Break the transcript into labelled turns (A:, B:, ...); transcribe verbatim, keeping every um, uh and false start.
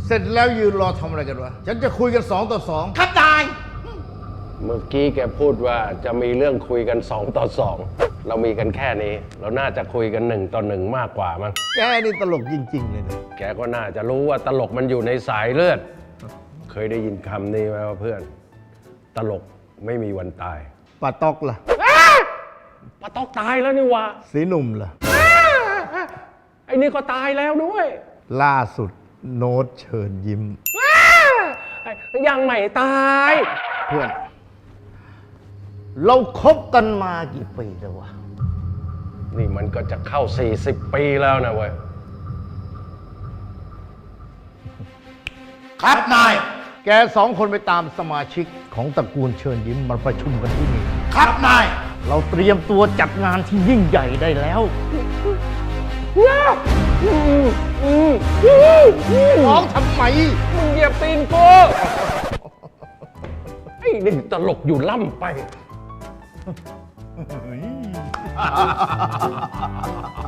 A: เสร็จแล้วยืนรอทำอะไรกันวะฉันจะคุยกันสองต่อสองครับนาย
B: เมื่อกี้แกพูดว่าจะมีเรื่องคุยกันสองต่อสองเรามีกันแค่นี้ เราน่าจะคุยกันหนึ่งต่อหนึ่งมากกว่ามั้ง
A: แกนี่ตลกจริงๆเลยนะ
B: แกก็น่าจะรู้ว่าตลกมันอยู่ในสายเลือด เคยได้ยินคำนี้ไหมว่าเพื่อน ตลกไม่มีวันตาย
A: ป้าตอกล่ะ
B: ปะตอกตายแล้วนี่วะ
A: สีหนุ่มล่ะ
B: ไอ้นี่ก็ตายแล้วด้วย
A: ล่าสุดโน้ตเชิญยิ้ม
B: ยังไม่ตาย
A: เพื่อน เราคบกันมากี่ปีแล้ววะ
B: นี่มันก็จะเข้าสี่สิบปีแล้วนะเว้ย
A: ครับนาย แกสองคนไปตามสมาชิกของตระกูลเชิญยิ้มมาประชุมกันที่นี่ ครับนาย เราเตรียมตัวจัดงานที่ยิ่งใหญ่ได้แล้วร้องทำไม
B: มึงเหยียบตีนกูไอ้นี่ตลกอยู่ล่ำไป